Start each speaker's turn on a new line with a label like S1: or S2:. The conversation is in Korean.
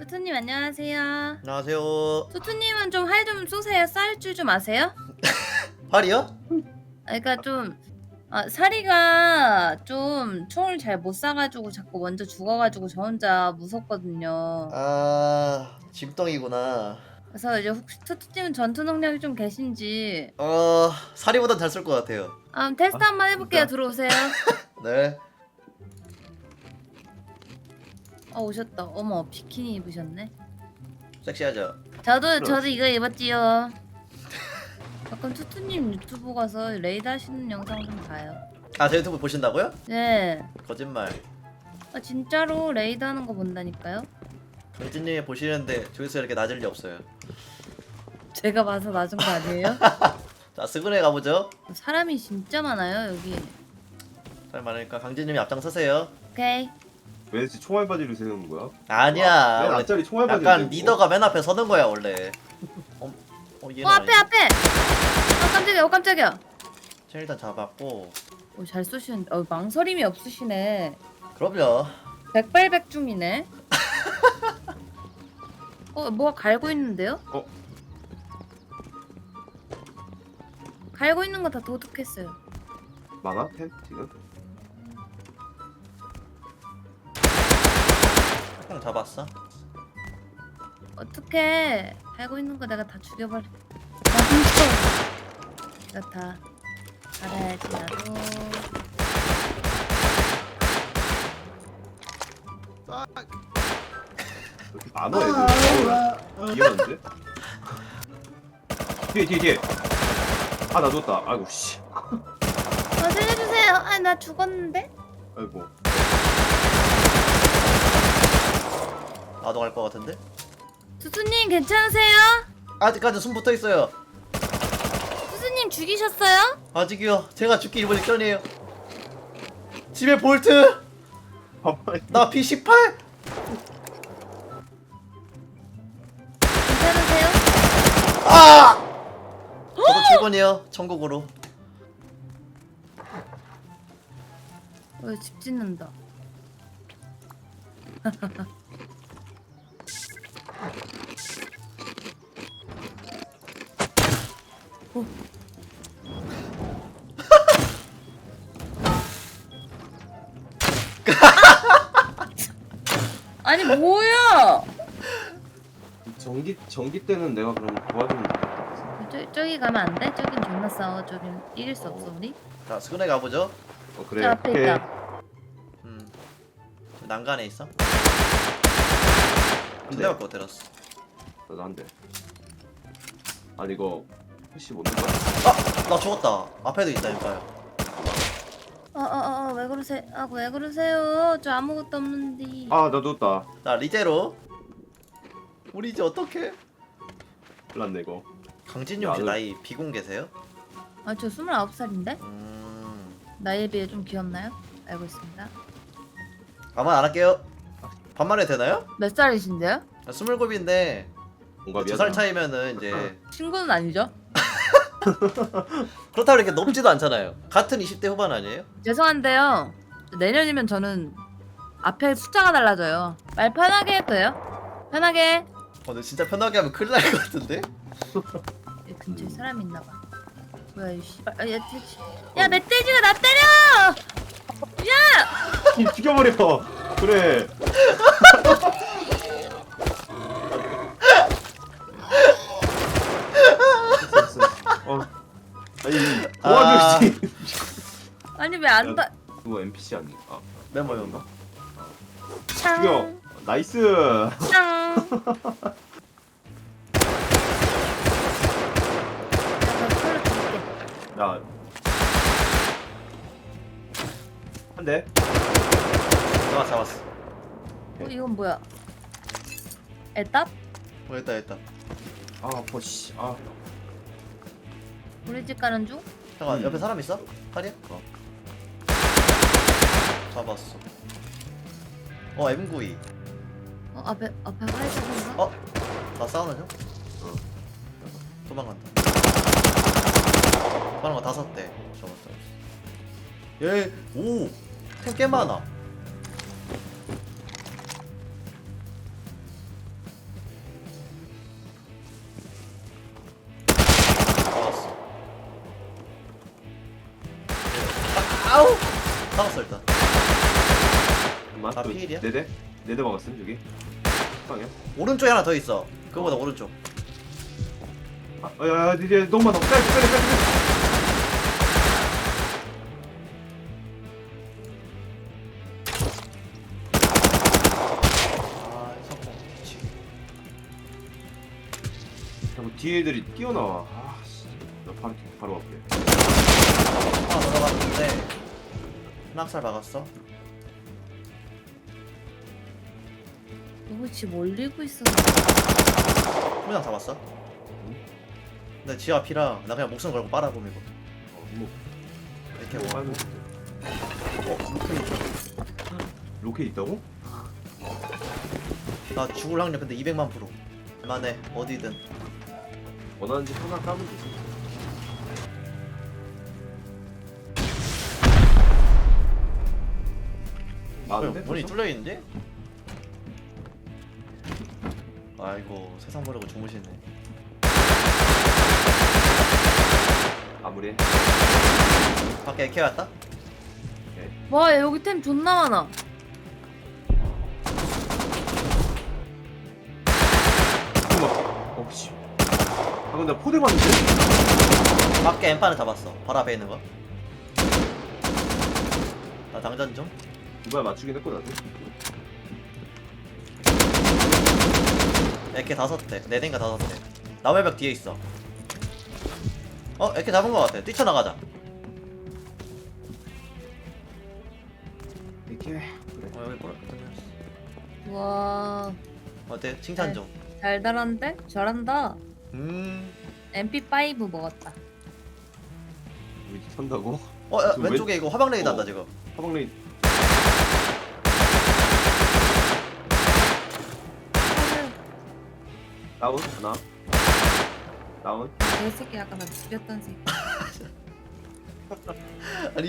S1: 투투님 안녕하세요.
S2: 안녕하세요.
S1: 투투님은 좀 활 좀 쏘세요. 쌀 줄 좀 아세요?
S2: 활이요?
S1: 그러니까 좀 사리가 좀 총을 잘 못 쏴가지고 자꾸 먼저 죽어가지고 저 혼자 무섭거든요.
S2: 아, 짐덩이구나.
S1: 그래서 이제 혹시 투투님은 전투 능력이 좀 계신지
S2: 사리보단 잘 쏠 것 같아요.
S1: 테스트
S3: 아,
S1: 한번 해볼게요.
S3: 진짜?
S1: 들어오세요.
S2: 네.
S1: 오셨다. 어머 비키니 입으셨네.
S2: 섹시하죠?
S1: 저도 이거 입었지요. 가끔 투투님 유튜브 가서 레이드 하시는 영상 좀 봐요.
S2: 아, 제 유튜브 보신다고요?
S1: 네.
S2: 거짓말.
S1: 진짜로 레이드 하는 거 본다니까요?
S2: 강진님이 보시는데 조회수 이렇게 낮을 리 없어요.
S1: 제가 봐서 낮은 거 아니에요?
S2: 자, 스그네 가보죠.
S1: 사람이 진짜 많아요 여기.
S2: 잘 많으니까 강진님이 앞장서세요.
S1: 오케이.
S3: 왜 총알 바지를 세우는 거야?
S2: 아니야.
S3: 맨
S2: 원래
S3: 앞자리 총알 바지.
S2: 약간 리더가 맨 앞에 서는 거야 원래. 얘는
S1: 앞에
S2: 아니지.
S1: 앞에. 깜짝이야. 깜짝이야.
S2: 쟤 일단 잡았고.
S1: 잘 쏘시는데. 망설임이 없으시네.
S2: 그럼요.
S1: 백발백중이네. 뭐가 갈고 있는데요? 갈고 있는 거 다 도둑했어요.
S3: 많아? 템 지금?
S2: 형 잡았어?
S1: 어떻게 갈고 있는 거 내가 다 죽여버려. 나 내가 다 알아야지 나도.
S3: 이렇게 많아 애들. 귀여운데? 뒤에. 아 나 죽었다. 아이고 씨.
S1: 살려주세요. 나 죽었는데?
S3: 아이고.
S2: 나도 갈 것 같은데?
S1: 투수님 괜찮으세요?
S2: 아직까지 숨 붙어 있어요.
S1: 투수님 죽이셨어요?
S2: 아직이요. 제가 죽기 일본 직전이에요. 집에 볼트.
S3: 봐봐.
S2: 나 P18.
S1: 괜찮으세요?
S2: 아! 저도 출근이요. 천국으로.
S1: 집 짓는다. 오. 아니 뭐야?
S3: 전기 때는 내가 그럼 도와주면 되겠다.
S1: 저기 가면 안 돼? 저긴 존나 싸워. 저긴 이길 수 없어 우리.
S2: 자, 스그네 가보죠.
S3: 그래.
S1: 저 앞에
S3: 오케이.
S1: 있다.
S2: 난간에 있어?
S3: 한
S2: 두
S3: 대.
S2: 대밖에 못 때렸어.
S3: 나도 한 대. 아니 이거 푸시 못 넣는
S2: 나 죽었다. 앞에도 있다니까요.
S1: 왜 그러세요? 왜 그러세요? 저 아무것도 없는데.
S3: 아나 죽었다.
S2: 자, 리제로. 우리 이제 어떡해?
S3: 몰랐네 이거.
S2: 강진님 혹시
S3: 나는-
S2: 나이 비공개세요?
S1: 저 29살인데?
S2: 음...
S1: 나이에 비해 좀 귀엽나요? 알고 있습니다.
S2: 아마 안 할게요. 반말해도 되나요?
S1: 몇 살이신데요?
S2: 27인데
S3: 뭔가
S2: 2살 차이면은 이제
S1: 친구는 아니죠?
S2: 그렇다고 이렇게 높지도 않잖아요. 같은 20대 후반 아니에요?
S1: 죄송한데요. 내년이면 저는 앞에 숫자가 달라져요. 말 편하게 해도 돼요? 편하게.
S2: 근데 진짜 편하게 하면 큰일 날 것 같은데?
S1: 여기 근처에 사람이 있나봐. 뭐야 이 씨발. 야 멧돼지가 나 때려! 야!
S3: 죽여버려. 그래. 아니 도와주지.
S1: 아니 왜 안 다?
S3: 이거 NPC 아닌가?
S2: 메모였나?
S3: 죽여. 나이스.
S1: 짱.
S3: 야. 한 대.
S2: 잡았어.
S1: 이건 뭐야? 애답?
S2: 됐다 됐다.
S3: 아, 버씨. 아.
S1: 우리 집 가는 중?
S2: 잠깐 옆에 사람 있어? 칼이야? 잡았어. M92.
S1: 앞에 화이트인가?
S2: 나 싸우는 중? 도망간다. 도망간 거 5대. 잡았다. 얘, 오! 템 꽤 많아. 아우 잡았어 일단.
S3: 잠깐만.
S2: 나 피일이야?
S3: 네대 먹었음 저기. 방이야.
S2: 오른쪽에 하나 더 있어. 그거보다 오른쪽.
S3: 야, 이제 너무 많아. 빨리.
S2: 아 성공. 그치.
S3: 자꾸 뒤에 애들이 뛰어나와. 아, 씨. 나 바로 앞에.
S2: 하나 들어갔는데 낙살 박았어.
S1: 누구 집 올리고 있어.
S2: 후장 잡았어. 근데 지 앞이라 나 그냥 목숨 걸고 빨아보면 이거.
S3: 뭐
S2: 이렇게
S3: 뭐
S2: 뭐.
S3: 빨고.
S2: 로켓 있어.
S3: 로켓 있다고?
S2: 나 죽을 확률 근데 200만 %. 만에 어디든.
S3: 원하는 집 하나 까면 되지. 많은데?
S2: 문이
S3: 벌써?
S2: 뚫려 있는데? 아이고 세상 모르고 주무시네.
S3: 아무리.
S2: 밖에 이렇게 왔다?
S1: 와 여기 템 존나 많아.
S3: 잠깐만. 씨. 방금 나 포대 봤는데?
S2: 밖에 엠파는 잡았어. 바로 앞에 있는 거. 나 당전 좀.
S3: 누가 맞추긴 했고 나도.
S2: 에케 5대. 4대인가 5대. 나무의벽 뒤에 있어. 에케 잡은 거 같아. 뛰쳐나가자.
S3: 이렇게. 그래.
S2: 여기 뭐라.
S1: 와
S2: 어때? 칭찬 좀.
S1: 달달한데? 잘한다.
S2: 음.
S1: MP5 먹었다.
S3: 우리 선다고?
S2: 야,
S3: 지금
S2: 왼쪽에 이거 화방 레이드 한다 지금.
S3: 화방레이. 다운 하나. 다운.
S1: 내 새끼 아까 나 죽였던 새끼.
S2: 아니